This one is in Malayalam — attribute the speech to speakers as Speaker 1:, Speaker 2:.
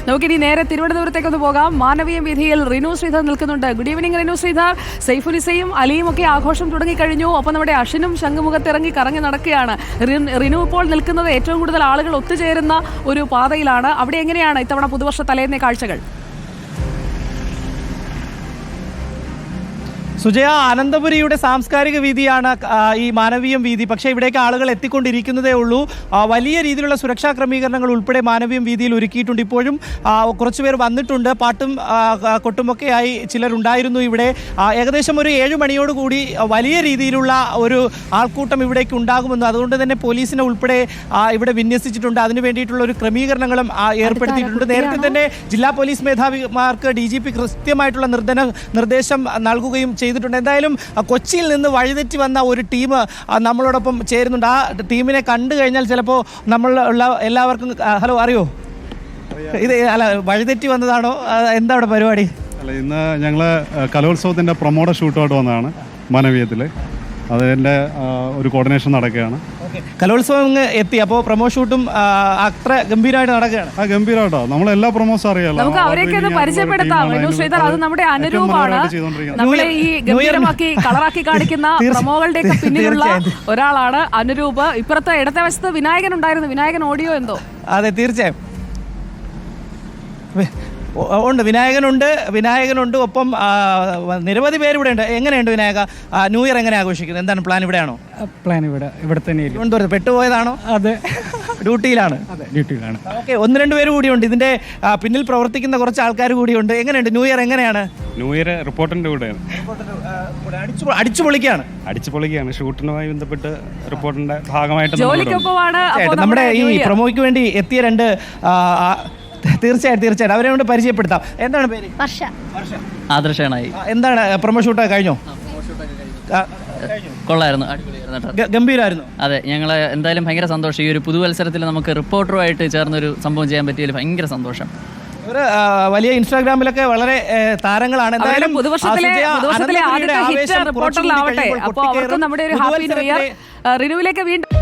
Speaker 1: നമുക്കിനി നേരെ തിരുവനന്തപുരത്തേക്കൊന്ന് പോകാം. മാനവീയം വീഥിയിൽ റിനു ശ്രീധർ നിൽക്കുന്നുണ്ട്. Good evening Rinu Sridhar. സൈഫുലിസയും അലിയും ഒക്കെ ആഘോഷം തുടങ്ങിക്കഴിഞ്ഞു. ഒപ്പം നമ്മുടെ അശ്വിനും ശംഖുമുഖത്തിറങ്ങി കറങ്ങി നടക്കുകയാണ്. റിനു ഇപ്പോൾ നിൽക്കുന്നത് ഏറ്റവും കൂടുതൽ ആളുകൾ ഒത്തുചേരുന്ന ഒരു പാതയിലാണ്. അവിടെ എങ്ങനെയാണ് ഇത്തവണ പുതുവർഷ തലേന്നേ കാഴ്ചകൾ?
Speaker 2: സുജയ, അനന്തപുരിയുടെ സാംസ്കാരിക വീതിയാണ് ഈ മാനവീയം വീതി. പക്ഷേ ഇവിടേക്ക് ആളുകൾ എത്തിക്കൊണ്ടിരിക്കുന്നതേ ഉള്ളൂ. വലിയ രീതിയിലുള്ള സുരക്ഷാ ക്രമീകരണങ്ങൾ ഉൾപ്പെടെ മാനവീയം വീതിയിൽ ഒരുക്കിയിട്ടുണ്ട്. ഇപ്പോഴും കുറച്ചുപേർ വന്നിട്ടുണ്ട്. പാട്ടും കൊട്ടുമൊക്കെയായി ചിലരുണ്ടായിരുന്നു ഇവിടെ. ഏകദേശം ഒരു 7 മണിയോടുകൂടി വലിയ രീതിയിലുള്ള ഒരു ആൾക്കൂട്ടം ഇവിടേക്ക് ഉണ്ടാകുമെന്ന്, അതുകൊണ്ട് തന്നെ പോലീസിനെ ഉൾപ്പെടെ ഇവിടെ വിന്യസിച്ചിട്ടുണ്ട്. അതിനു വേണ്ടിയിട്ടുള്ള ഒരു ക്രമീകരണങ്ങളും ഏർപ്പെടുത്തിയിട്ടുണ്ട്. നേരത്തെ തന്നെ ജില്ലാ പോലീസ് മേധാവിമാർക്ക് DGP കൃത്യമായിട്ടുള്ള നിർദ്ദേശം നൽകുകയും ചെയ്തിട്ടുണ്ട്. എന്തായാലും കൊച്ചിയിൽ നിന്ന് വഴിതെറ്റി വന്ന ഒരു ടീം നമ്മളോടൊപ്പം ചേരുന്നുണ്ട്. ആ ടീമിനെ കണ്ടു കഴിഞ്ഞാൽ ചിലപ്പോൾ നമ്മളുള്ള എല്ലാവർക്കും ഹലോ അറിയോ, ഇത് അല്ല വഴിതെറ്റി വന്നതാണോ, എന്താ അവിടെ പരിപാടി?
Speaker 3: അല്ല, ഇന്ന് ഞങ്ങൾ കലോത്സവത്തിൻ്റെ പ്രൊമോട്ടർ ഷൂട്ടുമായിട്ട് വന്നതാണ് മാനവീയത്തിൽ. അതിൻ്റെ ഒരു കോർഡിനേഷൻ നടക്കുകയാണ്.
Speaker 2: കലോത്സവം എത്തി, അപ്പോൾ പ്രൊമോ ഷൂട്ടും അത്ര ഗംഭീരമായിട്ട് നടക്കുകയാണ്.
Speaker 3: ഗംഭീരമായിട്ടോ, നമ്മളെല്ലാ പ്രൊമോസും അറിയാലോ.
Speaker 1: നമുക്ക് അവരെയൊക്കെ ഒന്ന് പരിചയപ്പെടുത്താം. ശ്രീധർ, അത് നമ്മുടെ അനുരൂപമാണ്. നമ്മളെ ഈ ഗംഭീരമാക്കി കളറാക്കി കാണിക്കുന്ന പ്രൊമോകളുടെ ഒക്കെ പിന്നിലുള്ള ഒരാളാണ് അനുരൂപ്. ഇപ്പുറത്തെ ഇടത്തെ വശത്ത് വിനായകൻ ഉണ്ടായിരുന്നു. വിനായകൻ ഓഡിയോ എന്തോ?
Speaker 2: അതെ, തീർച്ചയായും ഉണ്ട്. വിനായകനുണ്ട്. ഒപ്പം നിരവധി പേര് ഇവിടെ ഉണ്ട്. എങ്ങനെയുണ്ട് വിനായക, ന്യൂ ഇയർ എങ്ങനെ ആഘോഷിക്കുന്നത്? എന്താണ് പ്ലാൻ? ഇവിടെയാണോ
Speaker 4: പ്ലാൻ? ഇവിടെ തന്നെ.
Speaker 2: തിരുവനന്തപുരത്ത് പെട്ടുപോയതാണോ?
Speaker 4: അതെ,
Speaker 2: ഡ്യൂട്ടിയിലാണ്. ഓക്കെ, 1-2 പേര് കൂടിയുണ്ട്. ഇതിന്റെ പിന്നിൽ പ്രവർത്തിക്കുന്ന കുറച്ച് ആൾക്കാർ കൂടിയുണ്ട്. എങ്ങനെയുണ്ട് ന്യൂ ഇയർ? എങ്ങനെയാണ്
Speaker 5: ന്യൂ ഇയർ? റിപ്പോർട്ടിന്റെ കൂടെ
Speaker 2: അടിച്ചു പൊളിക്കുകയാണ്.
Speaker 5: ഷൂട്ടിനുമായി ബന്ധപ്പെട്ട് റിപ്പോർട്ടിന്റെ ഭാഗമായിട്ട്
Speaker 2: നമ്മുടെ ഈ പ്രൊമോയ്ക്ക് വേണ്ടി എത്തിയ 2 തീർച്ചയായിട്ടും അവരെ കൊണ്ട് പരിചയപ്പെടുത്താം. എന്താണ് പേര്?
Speaker 6: ആദർശാണായി.
Speaker 2: എന്താണ് പ്രൊമോ ഷൂട്ടൊക്കെ കഴിഞ്ഞോ?
Speaker 6: കൊള്ളായിരുന്നു,
Speaker 2: ഗംഭീരമായിരുന്നു.
Speaker 6: അതെ, ഞങ്ങൾ എന്തായാലും ഭയങ്കര സന്തോഷം. ഈ ഒരു പുതുവത്സരത്തിൽ നമുക്ക് റിപ്പോർട്ടറുമായിട്ട് ചേർന്നൊരു സംഭവം ചെയ്യാൻ പറ്റിയതിൽ ഭയങ്കര സന്തോഷം.
Speaker 2: ഒരു വലിയ ഇൻസ്റ്റാഗ്രാമിലൊക്കെ വളരെ താരങ്ങളാണ്.
Speaker 1: എന്തായാലും പുതുവർഷത്തിലെ ആദ്യത്തെ ഹിറ്റ് റിപ്പോർട്ടറിലാവട്ടെ. അപ്പോൾ അവർക്ക് നമ്മുടെ ഒരു ഹാപ്പി ന്യൂ ഇയർ. റിനുവിലേക്ക് വീണ്ടും